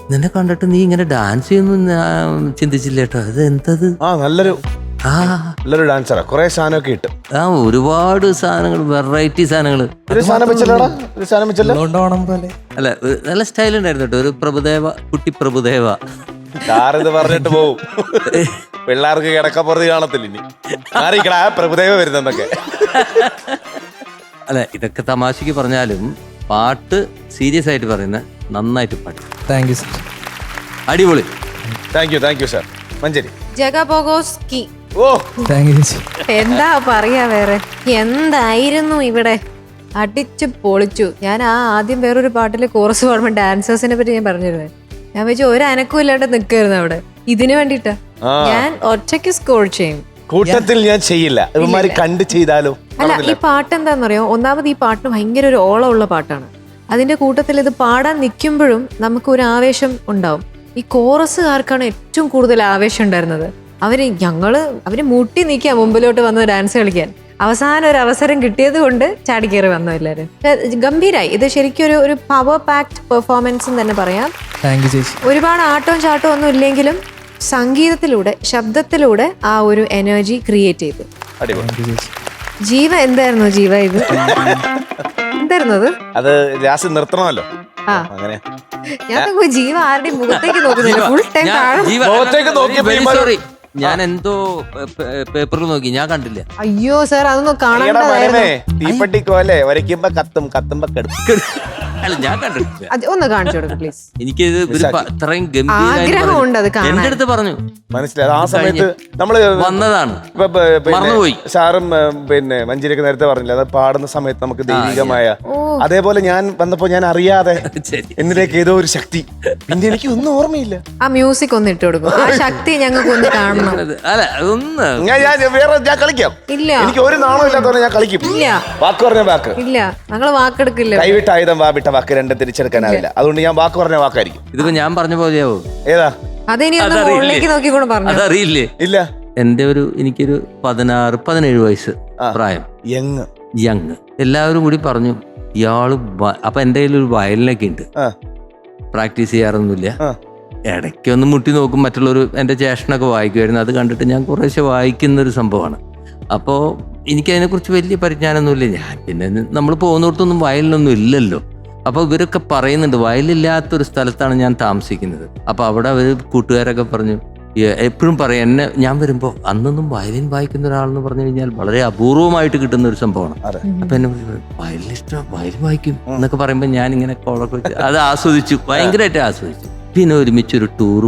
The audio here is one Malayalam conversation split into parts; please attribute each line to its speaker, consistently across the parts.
Speaker 1: നിന്നെ കണ്ടിട്ട് നീ ഇങ്ങനെ ഡാൻസ് ചെയ്യുന്നു ഞാൻ ചിന്തിച്ചില്ല കേട്ടോ. അത് എന്തത്?
Speaker 2: നല്ലൊരു ഡാൻസറാ. കുറെ സാധനമൊക്കെ ഇട്ട്
Speaker 1: ഒരുപാട് സാധനങ്ങൾ, വെറൈറ്റി സാധനങ്ങള്. അല്ല, നല്ല സ്റ്റൈൽ ഉണ്ടായിരുന്നു കേട്ടോ. ഒരു പ്രഭുദേവ, കുട്ടി പ്രഭുദേവ.
Speaker 2: ഇത് പറഞ്ഞിട്ട് പോവും. പിള്ളേർക്ക് കിടക്കപ്പുറത്ത് കാണത്തില്ല ഇനി പ്രഭുദേവ വരുന്നൊക്കെ.
Speaker 1: അല്ല, ഇതൊക്കെ തമാശക്ക് പറഞ്ഞാലും പാട്ട് സീരിയസ് ആയിട്ട് പറയുന്ന നന്നായിട്ട് പാട്ട്.
Speaker 3: Thank you sir.
Speaker 1: അടിപൊളി.
Speaker 2: Thank you sir. മഞ്ചേരി
Speaker 4: ജഗബോഗോസ്കി.
Speaker 2: ഓ
Speaker 3: താങ്ക് യു.
Speaker 4: എന്താ പറയാ വേറെ, എന്തായിരുന്നു ഇവിടെ, അടിച്ചു പൊളിച്ചു. ഞാൻ ആദ്യം വേറൊരു പാട്ടില് കോറസ് പാടുമ്പോൾ ഡാൻസേഴ്സിനെ പറ്റി ഞാൻ പറഞ്ഞിരുന്നത്. ഞാൻ വെച്ചു ഒരു അനക്കും ഇല്ലാണ്ട് നിൽക്കായിരുന്നു അവിടെ. ഇതിന് വേണ്ടിട്ടാ ഞാൻ ഒറ്റയ്ക്ക് സ്കോർ ചെയ്യും.
Speaker 2: കൂട്ടത്തിൽ ഞാൻ ചെയ്യില്ല, ഇവന്മാര് കണ്ട് ചെയ്താലോ.
Speaker 4: അല്ല, ഈ പാട്ട് എന്താണെന്നറിയോ, ഒന്നാമത് ഈ പാട്ട് ഭയങ്കര ഒരു ഓളമുള്ള പാട്ടാണ്. അതിന്റെ കൂട്ടത്തിൽ ഇത് പാടാൻ നിൽക്കുമ്പോഴും നമുക്ക് ഒരു ആവേശം ഉണ്ടാവും. ഈ കോറസുകാർക്കാണ് ഏറ്റവും കൂടുതൽ ആവേശം ഉണ്ടായിരുന്നത്. അവര് മുട്ടി നിൽക്കുക മുമ്പിലോട്ട് വന്ന് ഡാൻസ് കളിക്കാൻ. അവസാനം ഒരു അവസരം കിട്ടിയത് കൊണ്ട് ചാടിക്കേറി വന്നു എല്ലാവരും. ഗംഭീരായി. ഇത് ശരിക്കും ഒരു പവർ പാക്ഡ് പെർഫോമൻസ് എന്ന് തന്നെ പറയാം. ഒരുപാട് ആട്ടവും ചാട്ടവും ഒന്നും ഇല്ലെങ്കിലും സംഗീതത്തിലൂടെ, ശബ്ദത്തിലൂടെ ആ ഒരു എനർജി ക്രിയേറ്റ് ചെയ്തു. ജീവ എന്തായിരുന്നു ജീവ ഇത്? എന്തായിരുന്നു അത്
Speaker 2: നിർത്തണമല്ലോ.
Speaker 4: ഞാൻ ജീവ ആരുടെയും മുഖത്തേക്ക് നോക്കുന്നില്ല, ഫുൾ ടൈം
Speaker 1: സോറി, ഞാൻ എന്തോ പേപ്പറിൽ നോക്കി, ഞാൻ കണ്ടില്ല.
Speaker 4: അയ്യോ സാർ, അതൊന്നും കാണാൻ
Speaker 2: തീപ്പെട്ടിക്കോലെ വരയ്ക്കുമ്പോ കത്തുമ്പോ കെടുക്കും.
Speaker 1: അല്ല, ഞാൻ കണ്ടിട്ടില്ല.
Speaker 4: ഒന്ന് കാണിച്ചു കൊടുക്കും പ്ലീസ്.
Speaker 1: എനിക്കിത് ഇത്രയും
Speaker 4: ആഗ്രഹമുണ്ട് അത് കാണാൻ.
Speaker 1: എന്റെ അടുത്ത് പറഞ്ഞു,
Speaker 2: മനസ്സിലായി. ആ സമയത്ത് നമ്മള്
Speaker 1: വന്നതാണ്,
Speaker 2: മറന്നുപോയി. സാറും പിന്നെ മഞ്ചേരിയൊക്കെ നേരത്തെ പറഞ്ഞില്ല, അത് പാടുന്ന സമയത്ത് നമുക്ക് ദൈവികമായ, അതേപോലെ ഞാൻ വന്നപ്പോ ഞാൻ അറിയാതെ എന്നിലേക്ക് ഏതോ ഒരു ശക്തി, പിന്നെ എനിക്ക് ഒന്നും ഓർമ്മയില്ല.
Speaker 4: ആ മ്യൂസിക് ഒന്ന് ഇട്ട് കൊടുക്കും, ആ ശക്തി ഞങ്ങൾക്ക് ഒന്ന് കാണണം.
Speaker 1: അല്ല, അതൊന്ന്
Speaker 2: ഞാൻ കളിക്കാം.
Speaker 4: ഇല്ല,
Speaker 2: എനിക്ക് ഒരു നാണം ഇല്ലാത്തവരെ ഞാൻ കളിക്കും.
Speaker 4: ഇല്ല,
Speaker 2: വാക്ക് പറഞ്ഞ വാക്ക്
Speaker 4: ഇല്ല, ഞങ്ങള് വാക്കെടുക്കില്ല.
Speaker 2: കൈവിട്ട ആയുധം വാവിട്ട വാക്ക് രണ്ടും തിരിച്ചെടുക്കാനാവില്ല. അതുകൊണ്ട് ഞാൻ വാക്ക് പറഞ്ഞ വാക്കായിരിക്കും.
Speaker 1: ഇതിപ്പോ ഞാൻ പറഞ്ഞ പോലെയാവോ?
Speaker 2: ഏതാ?
Speaker 4: അതിനി മുകളിലേക്ക് നോക്കിക്കൂടെ പറഞ്ഞു.
Speaker 1: അതറിയില്ലേ?
Speaker 2: ഇല്ല.
Speaker 1: എനിക്കൊരു 16-17 വയസ്സ് പ്രായം, യങ്. എല്ലാവരും കൂടി പറഞ്ഞു ഇയാള്. അപ്പൊ എന്റെ കയ്യിൽ ഒരു വയലിനൊക്കെ ഉണ്ട്, പ്രാക്ടീസ് ചെയ്യാറൊന്നുമില്ല. ഇടയ്ക്കൊന്ന് മുട്ടി നോക്കും. മറ്റുള്ളവർ, എൻ്റെ ജ്യേഷ്ഠനൊക്കെ വായിക്കുമായിരുന്നു. അത് കണ്ടിട്ട് ഞാൻ കുറേശ്ശെ വായിക്കുന്നൊരു സംഭവമാണ്. അപ്പോൾ എനിക്കതിനെക്കുറിച്ച് വലിയ പരിജ്ഞാനമൊന്നുമില്ല. ഞാൻ പിന്നെ നമ്മൾ പോകുന്നിടത്തൊന്നും വയലിനൊന്നും ഇല്ലല്ലോ. അപ്പോൾ ഇവരൊക്കെ പറയുന്നുണ്ട് വയലില്ലാത്തൊരു സ്ഥലത്താണ് ഞാൻ താമസിക്കുന്നത്. അപ്പോൾ അവിടെ അവർ കൂട്ടുകാരൊക്കെ പറഞ്ഞു, എപ്പോഴും പറയും ഞാൻ വരുമ്പോൾ അന്നൊന്നും വയലിൻ വായിക്കുന്ന ഒരാളെന്ന് പറഞ്ഞു കഴിഞ്ഞാൽ വളരെ അപൂർവമായിട്ട് കിട്ടുന്ന ഒരു സംഭവമാണ്. അപ്പൊ എന്നെ വയലിനിഷ്ടം, വയലിൻ വായിക്കും എന്നൊക്കെ പറയുമ്പോൾ ഞാൻ ഇങ്ങനെ കോളൊക്കെ വെച്ച് അത് ആസ്വദിച്ചു, ഭയങ്കരമായിട്ട് ആസ്വദിച്ചു. പിന്നെ ഒരുമിച്ചൊരു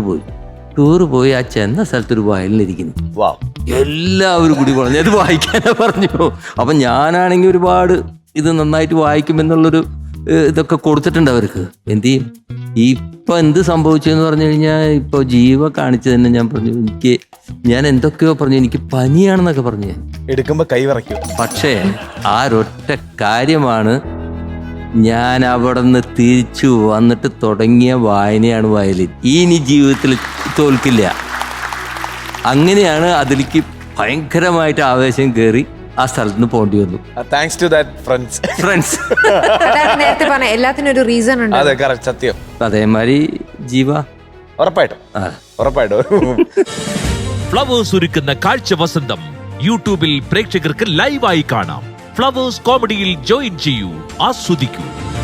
Speaker 1: ടൂറ് പോയി ആ ചെന്ന സ്ഥലത്തൊരു വയലിനിരിക്കുന്നു. എല്ലാവരും കൂടി പറഞ്ഞു അത് വായിക്കാനാ പറഞ്ഞു. അപ്പൊ ഞാനാണെങ്കിൽ ഒരുപാട് ഇത് നന്നായിട്ട് വായിക്കുമെന്നുള്ളൊരു ഇതൊക്കെ കൊടുത്തിട്ടുണ്ട് അവർക്ക്. എന്ത് ചെയ്യും? ഇപ്പൊ എന്ത് സംഭവിച്ചെന്ന് പറഞ്ഞു കഴിഞ്ഞാൽ, ഇപ്പൊ ജീവ കാണിച്ചു തന്നെ ഞാൻ പറഞ്ഞു, ഞാൻ എന്തൊക്കെയോ പറഞ്ഞു, എനിക്ക് പനിയാണെന്നൊക്കെ പറഞ്ഞു. ഞാൻ
Speaker 2: എടുക്കുമ്പോ കൈ വിറയ്ക്കും.
Speaker 1: പക്ഷേ ആ ഒരൊറ്റ കാര്യമാണ്, ഞാൻ അവിടെ നിന്ന് തിരിച്ചു വന്നിട്ട് തുടങ്ങിയ വായനയാണ് വയലിൻ. ഇനി ജീവിതത്തിൽ തോൽക്കില്ല. അങ്ങനെയാണ് അതിലേക്ക് ഭയങ്കരമായിട്ട് ആവേശം കയറി ആ സ്ഥലത്ത് നിന്ന് പോകേണ്ടി വന്നു.
Speaker 2: Thanks to that friends.
Speaker 4: നേരത്തെ പറഞ്ഞ എല്ലാത്തിനും ഒരു റീസൺ ഉണ്ട്.
Speaker 2: അതെ, കറക്റ്റ്, സത്യം.
Speaker 1: അതേമാതിരി ജീവ
Speaker 2: ഉറപ്പായിട്ടും.
Speaker 5: ഫ്ലവേഴ്സ് ഒരുക്കുന്ന കാഴ്ച വസന്തം യൂട്യൂബിൽ പ്രേക്ഷകർക്ക് ലൈവായി കാണാം. ഫ്ലവേഴ്സ് കോമഡിയിൽ ജോയിൻ ചെയ്യൂ, ആസ്വദിക്കൂ.